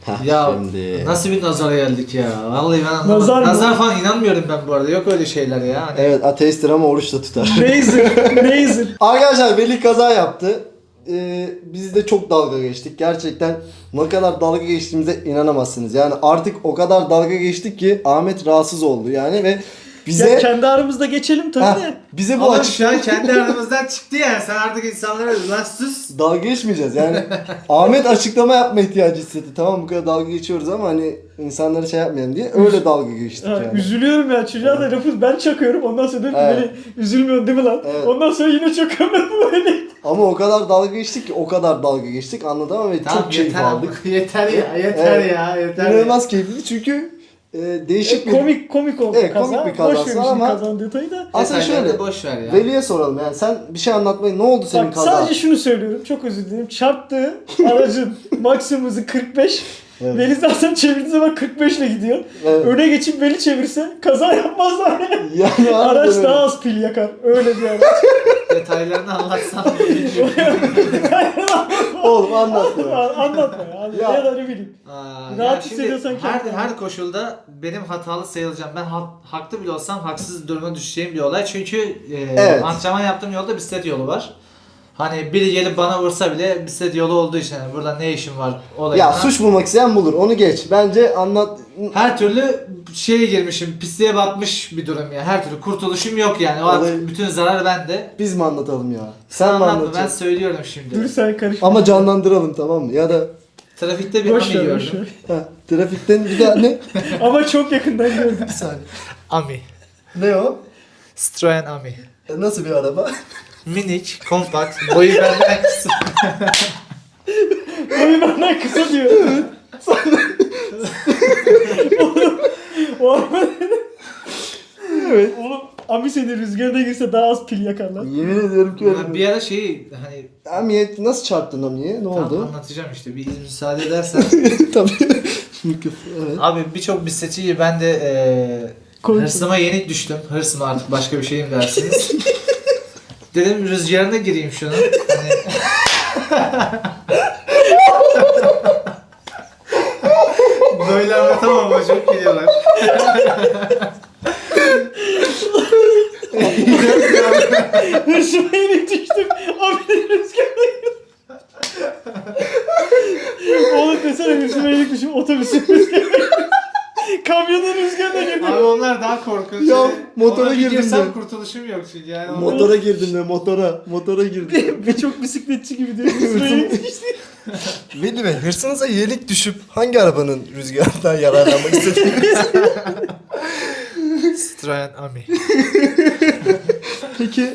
Ya Şimdi. nasıl bir nazara geldik ya. Vallahi ben anlamadım. Nazar mı? Nazar falan inanmıyorum ben bu arada. Yok öyle şeyler ya. Hani Evet, ateisttir ama oruç da tutar. Razer. Arkadaşlar Veli kaza yaptı. Biz de çok dalga geçtik. Gerçekten ne kadar dalga geçtiğimize inanamazsınız. Yani artık o kadar dalga geçtik ki Ahmet rahatsız oldu yani ve bize Ya kendi aramızda geçelim tabii Ha, de. bize bu Ama açık şu an kendi aramızdan çıktı yani. Sen artık insanlara lan sus. dalga geçmeyeceğiz yani. Ahmet açıklama yapma ihtiyacı hissetti. Tamam bu kadar dalga geçiyoruz ama hani insanlara şey yapmayalım diye öyle dalga geçtik Ha, yani. üzülüyorum ya çocuğa da lafı ben çakıyorum ondan sonra diyorum ki Evet. beni üzülmüyorsun değil mi lan? Evet. Ondan sonra yine çakıyorum ben böyle. Ama o kadar dalga geçtik ki o kadar dalga geçtik anladın ve Tamam çok keyif yeter aldık. aldık. Yeter ya. Yeter Evet. ya. Yeter İnanılmaz keyifli çünkü değişik bir... Komik oldu Evet, kaza. komik bir kazası Boş ver şimdi ama- kazanın detayı da. Aslında Detaylarını şöyle, boş ver ya. Veli'ye soralım yani sen bir şey anlatmayı ne oldu senin Bak kaza? sadece şunu söylüyorum çok özür dilerim. Çarptığı aracın maksimum hızı 45. Evet. Veli zaten çevirdiği zaman 45 ile gidiyor. Evet. Öne geçip Veli çevirse kaza yapmazlar. Yani Araç harbiden daha öyle. az pil yakar. Öyle bir araç. Detaylarını anlatsam diye bilmiyorum. Oğlum anlatma. Anlatma ya. Ya. Ya da ne bileyim. Aa, Rahat şimdi hissediyorsan her, kendini. her koşulda benim hatalı sayılacağım. Ben haklı bile olsam haksız duruma düşeceğim bir olay. Çünkü Evet. antrenman yaptığım yolda bisiklet yolu var. Hani biri gelip bana vursa bile bisiklet yolu olduğu için yani burada ne işim var olayına. Ya suç bulmak isteyen bulur onu geç. Bence anlat. Her türlü şeye girmişim, pisliğe batmış bir durum ya. Her türlü kurtuluşum yok yani. O Olay- artık bütün zarar bende. Biz mi anlatalım ya? Sen mi Anlatma, ben anlatacaksın? söylüyorum şimdi. Dur sen karışma. Ama canlandıralım tamam mı? Ya da Trafikte bir Boş ami ver boş gördüm. ver. trafikten bir daha ne? Ama çok yakından gördüm. Bir saniye. Ami. Ne o? Citroen Ami. Nasıl bir araba? Minik, kompakt, boyu benden kısa. Boyu benden kısa diyor. Oğlum, o araba Evet. Oğlum Ami seni rüzgarına girse daha az pil yakarlar. Yemin ediyorum ki öyle. Ben bir ara şeyi hani Amiye nasıl çarptın Amiye? Ne tam oldu? anlatacağım işte bir müsaade edersen. Tabii. Evet. Abi birçok bisikletçiyi ben de Korktum. hırsıma yenik düştüm. Hırsıma artık başka bir şeyim dersiniz. Dedim rüzgarına gireyim şunu. Hani... Böyle anlatamam ama çok geliyorlar. Hırsıma yenik düştüm. Ami'nin rüzgarına girdim. Oğlum desene hırsıma yenik düştüm otobüsün rüzgarına girdim. Kamyonun rüzgarına girdim. Abi onlar daha korkunç. Ya, Yani motora ona girdim girsem de. kurtuluşum yok çünkü yani. Motora girdim de motora. Motora girdim. Birçok bisikletçi gibi diyor. Hırsıma yenik düştü. Veli Bey hırsınıza yenik düşüp hangi arabanın rüzgarından yararlanmak istediğiniz? Citroen Ami. Peki.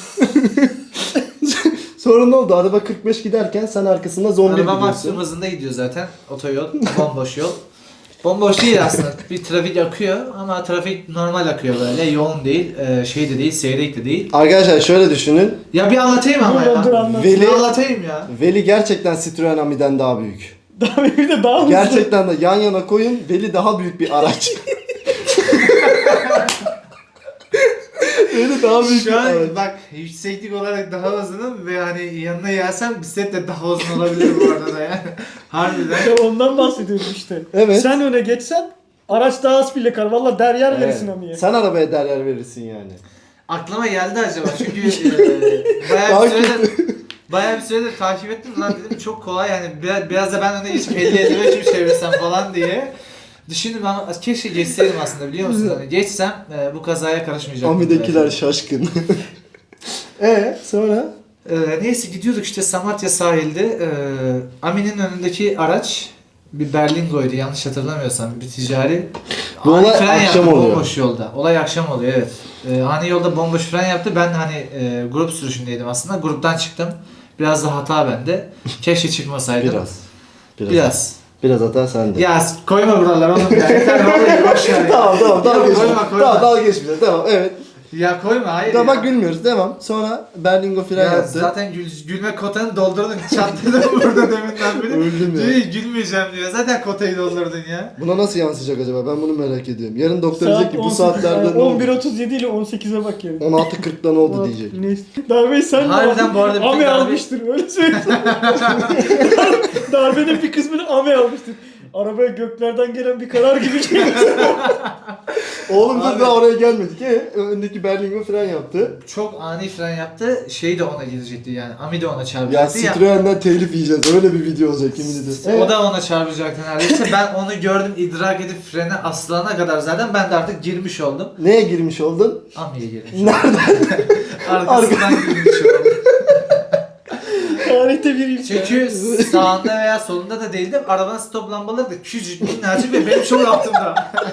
Sonra ne oldu? Araba 45 giderken sen arkasında zombi Araba gidiyorsun. maksimum hızında gidiyor zaten. Otoyol, bomboş yol. Bomboş değil aslında. Bir trafik akıyor ama trafik normal akıyor böyle. Yoğun değil, şey de değil, seyrek de değil. Arkadaşlar şöyle düşünün. Ya bir anlatayım ama ya. Dur anlat. Veli- Bir anlatayım ya. Veli gerçekten Citroen Ami'den daha büyük. Daha bir de daha hızlı. Gerçekten de yan yana koyun. Veli daha büyük bir araç. Veli daha büyük bir Şu an araç. bak yükseklik olarak daha uzunum ve hani yanına gelsem bisiklet de daha uzun olabilir bu arada yani. Harbiden. Ya ondan bahsediyorum işte. Evet. Sen öne geçsen araç daha az pil yakar. Valla deryer Evet. verirsin Ami'ye. Sen arabaya değer verirsin yani. Aklıma geldi acaba çünkü bayağı Daha bir süredir takip ettim lan dedim çok kolay yani biraz da ben öne geçip 50-55 mi çevirsem falan diye düşündüm ama keşke geçseydim aslında biliyor musun? Hani geçsem bu kazaya karışmayacaktım. Ami'dekiler belki. şaşkın. Sonra? Neyse gidiyorduk işte Samatya sahilde Amin'in önündeki araç bir Berlingo'ydu yanlış hatırlamıyorsam bir ticari. Bu Ani olay fren akşam yaptı, oluyor. bomboş yolda. Olay akşam oluyor evet. Ani yolda bomboş fren yaptı. Ben hani grup sürüşündeydim aslında. Gruptan çıktım. Biraz da hata bende. Keşke çıkmasaydım. Biraz. Biraz hata sende. Ya koyma buralar oğlum ya. Yeter ne oluyor boş ver. ya. Tamam dalga Yok, geçme. koyma, koyma. Tamam dalga geçmeyeceğiz. Tamam evet. Ya koyma hayır Tamam ya. bak gülmüyoruz devam. Sonra Berlingo fren Ya yaptı. zaten gülme kotanı doldurdun. Çatladım burada deminden beri. Öldüm ya. Diyor, gülmeyeceğim diyor. Zaten kotayı doldurdun ya. Buna nasıl yansıyacak acaba? Ben bunu merak ediyorum. Yarın doktor Saat diyecek ki bu 18, saatlerde ne oldu? 11.37 ile 18'e bak yani. 16.40'da ne oldu diyecek. Neyse. Darbeyi sen Harbiden bu arada bütün Ame darbe- almıştır öyle söyleyeyim. Darbenin bir kısmını Ame almıştır. arabaya göklerden gelen bir karar gibi geliyor. Oğlum dur Abi- daha oraya gelmedik. Öndeki Berlingo fren yaptı. Çok ani fren yaptı. Şey de ona gidecekti yani. Ami de ona Ya çarpacaktı. Citroen'den telif yiyeceğiz. Öyle bir video olacak yemin ederim. O da ona çarpacaktı neredeyse. Ben onu gördüm, idrak edip frene aslana kadar zaten ben de artık girmiş oldum. Neye girmiş oldun? Ami'ye girmiş. Nereden? Arkasından girmiş oldum. Tarihte bir ilk. Çünkü sağında veya solunda da değildim. Arabanın stop lambaları da küçücük, minnacık ve benim çok altımda.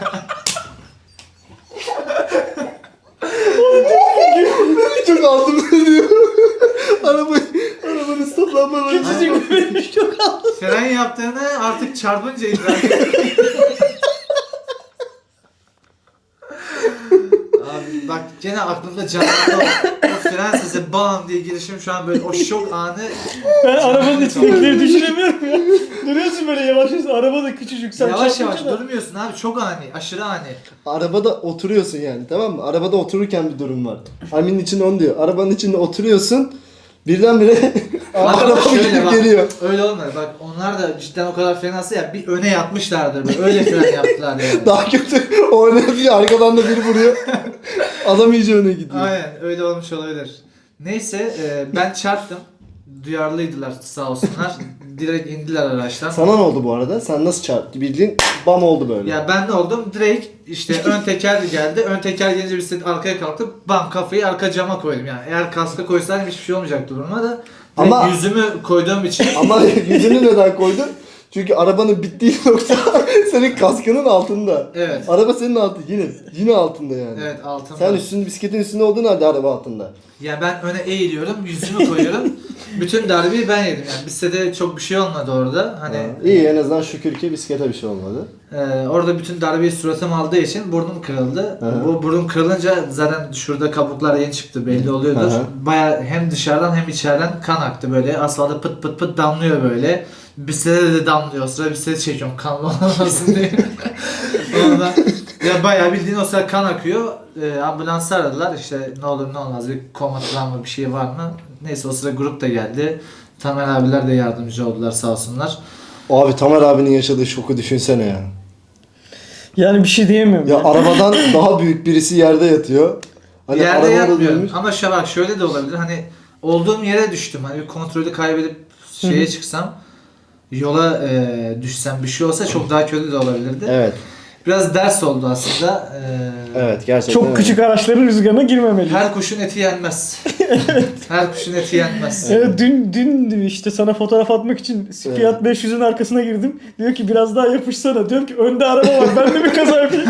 Çok aldım diyor. Arabanın stop lambaları. Küçücük bir çok aldı. Fren yaptığını artık çarpınca idrak ettim. Abi bak gene aklımda canlandı o fren sesi bam diye girişim şu an böyle o şok anı. Ben arabanın içindekileri düşünemiyorum ya. Duruyorsun böyle yavaş yavaş, araba da küçücük. Sen Yavaş çarpınca yavaş da- durmuyorsun abi, çok ani, aşırı ani. Arabada oturuyorsun yani, tamam mı? Arabada otururken bir durum var. Amin'in içinde onu diyor. Arabanın içinde oturuyorsun. Birdenbire araba şöyle gidip bak, geliyor. öyle olmadı bak, onlar da cidden o kadar fenası ya, bir öne yatmışlardır böyle, öyle fren yaptılar yani. Daha kötü. O öne yapıyor, arkadan da biri vuruyor. Adam iyice öne gidiyor. Aynen öyle olmuş olabilir. Neyse ben çarptım. Duyarlıydılar sağ olsunlar. Direkt indiler araçtan. Sana ne oldu bu arada? Sen nasıl çarptı? Bildiğin bam oldu böyle. Ya ben ne oldum? Direkt işte ön teker geldi. Ön teker gelince bir arkaya kalktım. Bam, kafayı arka cama koydum yani. Eğer kaska koysaydım hiçbir şey olmayacaktı duruma da. Direkt Ama- yüzümü koyduğum için. Ama yüzünü neden koydun? Çünkü arabanın bittiği nokta senin kaskının altında. Evet. Araba senin yine altında yani. Evet, altımda. Sen bisikletin üstünde olduğun halde araba altında. Ya ben öne eğiliyorum, yüzümü koyuyorum. Bütün darbeyi ben yedim yani. Bizde de çok bir şey olmadı orada. Hani İyi, en azından şükür ki bisiklete bir şey olmadı. orada bütün darbeyi suratım aldığı için burnum kırıldı. Hı hı. Bu burnum kırılınca zaten şurada kabuklar yeni çıktı, belli oluyordur. Hı hı. Baya hem dışarıdan hem içeriden kan aktı böyle. Asfalta pıt pıt pıt damlıyor böyle. Bisiklete de damlıyor. O sıra bisikleti çekiyorum kanlı olmasın diye. Ondan ya bayağı bildiğin o sıra kan akıyor. Ambulansı aradılar, işte ne olur ne olmaz, bir koma travma bir şey var mı? Neyse o sıra grup da geldi. Tamer abiler de yardımcı oldular sağ olsunlar. Abi Tamer abinin yaşadığı şoku düşünsene ya. Yani bir şey diyemiyorum. Ya arabadan daha büyük birisi yerde yatıyor. Hani Yerde arabada yatmıyorum durmuş. ama bak şöyle de olabilir, hani olduğum yere düştüm, hani bir kontrolü kaybedip şeye çıksam, yola düşsem, bir şey olsa çok daha kötü de olabilirdi. Evet. Biraz ders oldu aslında. Evet gerçekten. Çok öyle. küçük araçların rüzgarına girmemeli. Her kuşun eti yenmez. Her kuşun eti yenmez. Evet, dün işte sana fotoğraf atmak için Fiat 500'ün arkasına girdim. Diyor ki biraz daha yapışsana. Diyorum ki önde araba var, ben de bir kaza yapayım.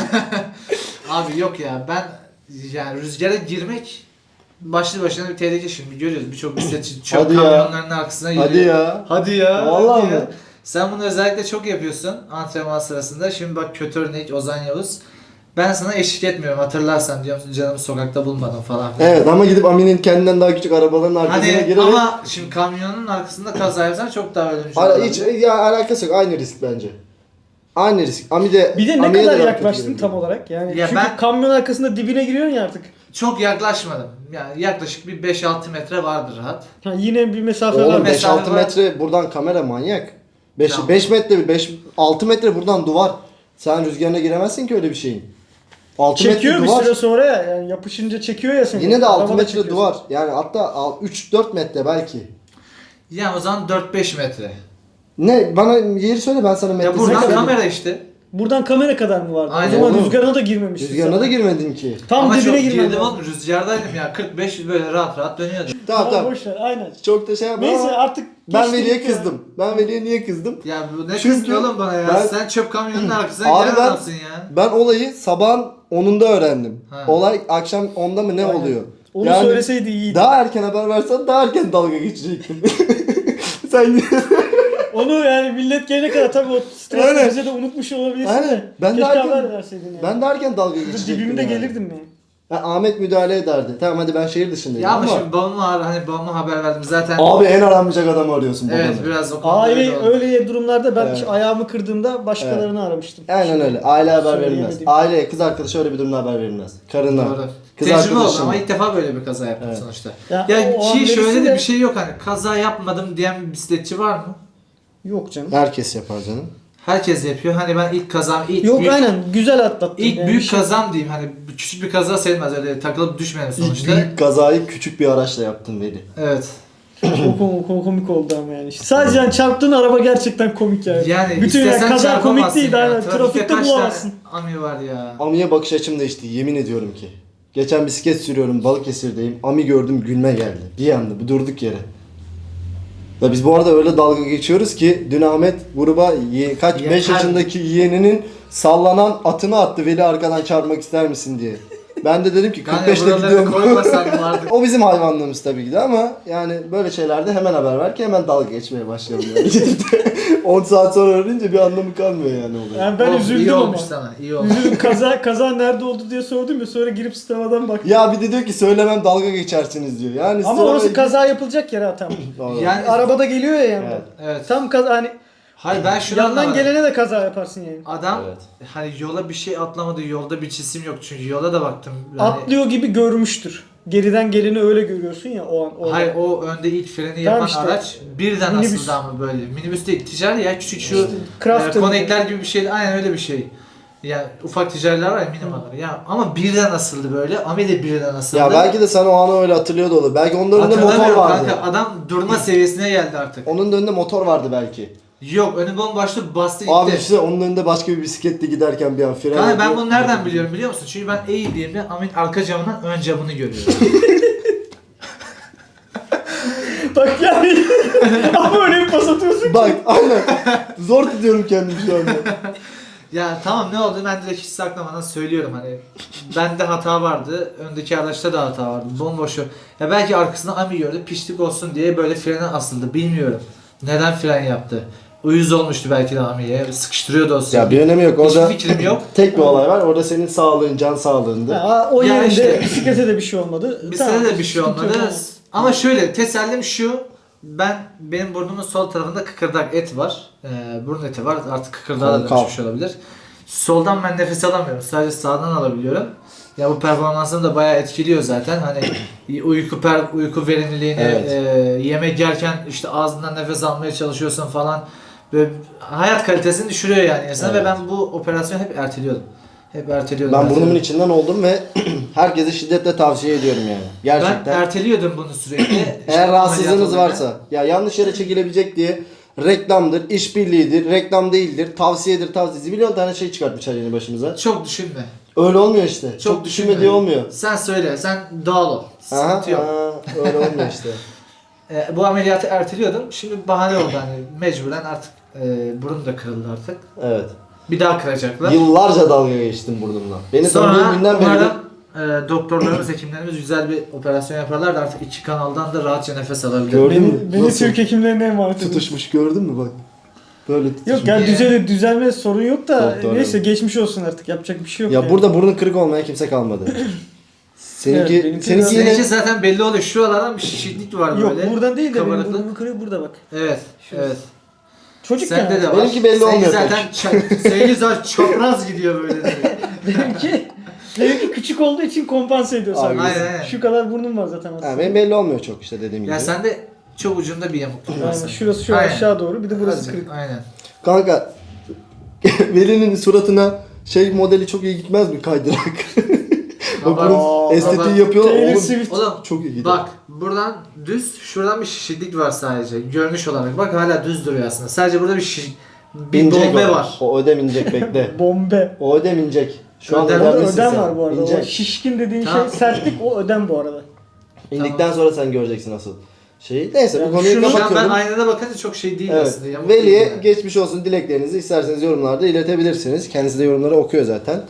Abi yok ya, ben yani rüzgara girmek başlı başına bir tehlike, şimdi görüyoruz birçok bisikletçi çöp Hadi ya. kamyonlarının arkasına giriyor. Hadi ya. Hadi ya. Vallahi hadi ya. mi? Sen bunu özellikle çok yapıyorsun antrenman sırasında. Şimdi bak, kötü örnek Ozan Yavuz. Ben sana eşlik etmiyorum, hatırlarsan, diyor musun canımı sokakta bulmadım falan. Evet ama gidip Amin'in kendinden daha küçük arabaların arkasına Hani girerek... ama şimdi kamyonun arkasında kaza yapsan çok daha ölümcül Hiç olabilir. ya alakası yok. Aynı risk bence. Aynı risk. Ami de Bir de ne Ami'ye de kadar daha yaklaştın kötü tam geliyor. olarak? Yani Ya çünkü ben- kamyon arkasında dibine giriyorsun ya artık. Çok yaklaşmadım. Yani yaklaşık bir 5-6 metre vardır rahat. Ha, yine bir mesafe var. Oğlum mesafe 5-6 var. metre buradan kamera manyak. 5 Tamam. 5 metre 6 metre buradan duvar. Sen rüzgarına giremezsin ki öyle bir şeyin. 6 Çekiyor metre bir duvar. süre sonra ya. Yani yapışınca çekiyor ya seni. Yine de 6 Arabada metre çekiyorsun. duvar. Yani hatta 3-4 metre belki. Yani o zaman 4-5 metre. Ne? Bana yeri söyle, ben sana Ya metresini buradan söyleyeyim. kamera işte. Buradan kamera kadar mı vardı? Aynen. O zaman Oğlum. rüzgarına da girmemiştin. Rüzgarına sen. da girmedin ki. Tam Ama dibine çok girmem girdim lazım. oğlum, rüzgardaydım ya, 45 böyle rahat rahat dönüyordu. Tamam tamam. Boş ver, aynen. Çok da şey yapma Neyse ama artık ben geçti Veli'ye gitti ya. kızdım. Ben Veli'ye niye kızdım? Ya bu ne Çünkü kızdın oğlum bana ya? ben- Sen çöp kamyonunun arkasına Abi giren ben- adamsın ya. Ben olayı sabahın 10'unda öğrendim. Ha. Olay akşam 10'da mı ne Aynen. oluyor? Onu Yani söyleseydi iyiydi. daha erken haber versen daha erken dalga geçecektim. Sen Onu yani millet gelene kadar tabii o stresi Aynen. bize de unutmuş olabilirsin Aynen. de. Ben de Keşke erken- haber verseydin yani. ben de erken dalga geçecektim. Dibimde yani. gelirdim ya. Ahmet müdahale ederdi. Tamam hadi ben şehir dışındayım Ya ama ama. şimdi babama haber verdim zaten. Abi en aranmayacak adamı arıyorsun Evet, babanı. biraz o konuda öyle oldu. Öyle durumlarda ben Evet. ayağımı kırdığımda başkalarını aramıştım. Aynen öyle. Aile haber verilmez. Söyleyemedim. Aileye, kız arkadaşı öyle bir durumda haber verilmez. Karına. Doğru. Kız Tecrübe oldu arkadaşına. ama ilk defa böyle bir kaza yaptım Evet. sonuçta. Ya Ya o an ki şöyle verirsin de de- bir şey yok, hani kaza yapmadım diyen bir bisikletçi var mı? Yok canım. Herkes yapar canım. Herkes yapıyor. Hani ben ilk kazam, Yok büyük, aynen güzel atlattın. ilk yani. büyük kazam diyeyim. Hani küçük bir kaza sayılmaz, öyle takılıp düşmeyelim İlk sonuçta. büyük kazayı küçük bir araçla yaptın Veli. Evet. Komik oldu ama yani. Sadece yani çarptığın araba gerçekten komik yani. Yani bütün yani istesen kaza komik çarpamazsın değil. ya. Aynen. Trafikte kaç bulamazsın. tane ami var ya. Ami'ye bakış açım değişti, yemin ediyorum ki. Geçen bisiklet sürüyorum, Balıkesir'deyim. Ami gördüm, gülme geldi. Bir anda, bir durduk yere. Ya biz bu arada öyle dalga geçiyoruz ki dün Ahmet gruba kaç Ya 5 her- yaşındaki yeğeninin sallanan atını attı, Veli arkadan çarpmak ister misin diye. Ben de dedim ki Yani 45'le buraları gidiyorum. koymasan vardı. O bizim hayvanlığımız tabii ki de ama yani böyle şeylerde hemen haber ver ki hemen dalga geçmeye başlayalım yani. Gidip de 10 saat sonra öğrenince bir anlamı kalmıyor yani olay. Yani ben İyi üzüldüm ama. olmuş sana. İyi olmuş. Üzüldüm. Kaza nerede oldu diye sordum ya, sonra girip sınavadan baktım. Ya bir de diyor ki söylemem dalga geçersiniz diyor. Yani Ama sıra- orası kaza yapılacak yer ha tam. Yani Arabada geliyor ya yandan. Evet. evet. Tam kaza hani Hayır ben şunu yandan anlamadım. gelene de kaza yaparsın yani. Adam Evet. hani yola bir şey atlamadı, yolda bir cisim yok çünkü yola da baktım. Yani, Atlıyor gibi görmüştür. Geriden geleni öyle görüyorsun ya o an. O hayır o önde ilk freni Tamam yapan işte. araç birden Minibüs. asıldı ama böyle. Minibüs değil, ticari ya, küçük şu İşte Crafter. konekler gibi bir şey, aynen öyle bir şey. Ya ufak ticariler var ya, minimalar ya, ama birden asıldı böyle. Ami de birden asıldı. Ya belki de sen o anı öyle hatırlıyor da olur. Belki onun da önünde motor Hatırlamıyorum vardı. kanka, adam durma seviyesine geldi artık. Onun da önünde motor vardı belki. Yok, önü bomboştu, bastı Abi gitti. işte onun önünde başka bir bisikletle giderken bir an fren Kanka ben yapıyor. bunu nereden biliyorum biliyor musun? Çünkü ben eğildiğimde Amin arka camından ön camını görüyorum. Bak yani ama öyle bir pas atıyorsun ki. Bak aynen. Zor tutuyorum kendimi şu anda. Ya tamam, ne oldu ben direkt hiç saklamadan söylüyorum, hani bende hata vardı, öndeki araçta da hata vardı, bomboş. Ya belki arkasında Ami gördü, piştik olsun diye böyle frene asıldı, bilmiyorum. Neden fren yaptı? Uyuz olmuştu belki de Ami'ye, sıkıştırıyordu o sırada. Ya bir önemi yok. Hiçbir Orada fikrim yok. tek bir olay var. Orada senin sağlığın, can sağlığındı. Ha, o Ya yerinde işte. bisiklete de bir şey olmadı. Bizde Tamam, de bir şey sıkıntı olmadı. yok. Ama şöyle, tesellim şu, benim burnumun sol tarafında kıkırdak et var. Burun eti var, artık kıkırdağa da Konkav. dönüşmüş olabilir. Soldan ben nefes alamıyorum, sadece sağdan alabiliyorum. Ya bu performansını da bayağı etkiliyor zaten. Hani uyku verimliliğini, Evet. yemek yerken işte ağzından nefes almaya çalışıyorsun falan. Böyle hayat kalitesini düşürüyor yani insana, Evet. ve ben bu operasyonu hep erteliyordum. Hep erteliyordum. Ben burnumun içinden oldum ve herkese şiddetle tavsiye ediyorum yani. Ben Gerçekten. erteliyordum bunu sürekli. Eğer İşte rahatsızlığınız ameliyat olayına. varsa, ya yanlış yere çekilebilecek diye reklamdır, işbirliğidir, reklam değildir, tavsiyedir, tavsiye. Milyon tane şey çıkartmışlar yeni başımıza. Çok düşünme. Öyle olmuyor işte. Çok düşünme düşünme. diye olmuyor. Sen söyle, sen doğal ol. Aha, Sıkıntı yok. öyle olmuyor işte. Bu ameliyatı erteliyordum. Şimdi bahane oldu, hani mecburen artık burun da kırıldı artık. Evet. Bir daha kıracaklar. Yıllarca dalga geçtim burnumla. Beni Sonra tanıdığım günden beri de umarım doktorlarımız, hekimlerimiz güzel bir operasyon yaparlar da artık iki kanaldan da rahatça nefes alabilirim. Gördün mü? Beni Nasıl? Türk hekimlerine emanet edin. tutuşmuş, gördün mü bak. Böyle tutuşmuş. Yok yani düzelme sorun yok da Doktor neyse hanım. geçmiş olsun artık, yapacak bir şey yok. Ya yani. burada burnu kırık olmayan kimse kalmadı. Seninki, Evet, benimki seninki biraz- yine Seninki zaten belli oluyor. Şuralardan bir şişiklik var Yok böyle. buradan değil de benim kabarıklık. burnumu kırıyor burada bak. Evet, evet. Çocuk Sende yani. de var. Benimki belli Seninki olmuyor zaten seninki zaten çapraz gidiyor böyle. Benimki küçük olduğu için kompanse ediyor sadece. Aynen, aynen. Şu kadar burnum var zaten aslında. ha, benim belli olmuyor çok işte dediğim gibi. Ya sende çok ucunda bir yamukluk var. Yani senin. şurası şu Aynen. aşağı doğru, bir de burası Azıcık, kırık. Aynen. Kanka Veli'nin suratına şey modeli çok iyi gitmez mi, kaydırak? Bak Baba, bunun estetiği baba. yapıyorlar Taylor oğlum. Swift. Oğlum Çok iyi gidiyor. bak, buradan düz, şuradan bir şişiklik var sadece. Görünüş olarak. Bak hala düz duruyor aslında. Sadece burada bir İnecek bombe o. var. O ödem inecek bekle. Bombe. O ödem inecek. Şu an Ödem- Orada ödemlisin ödem sen. var bu arada. O İnecek. şişkin dediğin Tamam. şey sertlik, o ödem bu arada. İndikten sonra sen göreceksin asıl şeyi. Neyse Yani bu konuyu şunu- Şu an ben kapatıyorum. aynada bakınca çok şey değil Evet. aslında. Yamuk değil Veli'ye yani. geçmiş olsun dileklerinizi isterseniz yorumlarda iletebilirsiniz. Kendisi de yorumları okuyor zaten.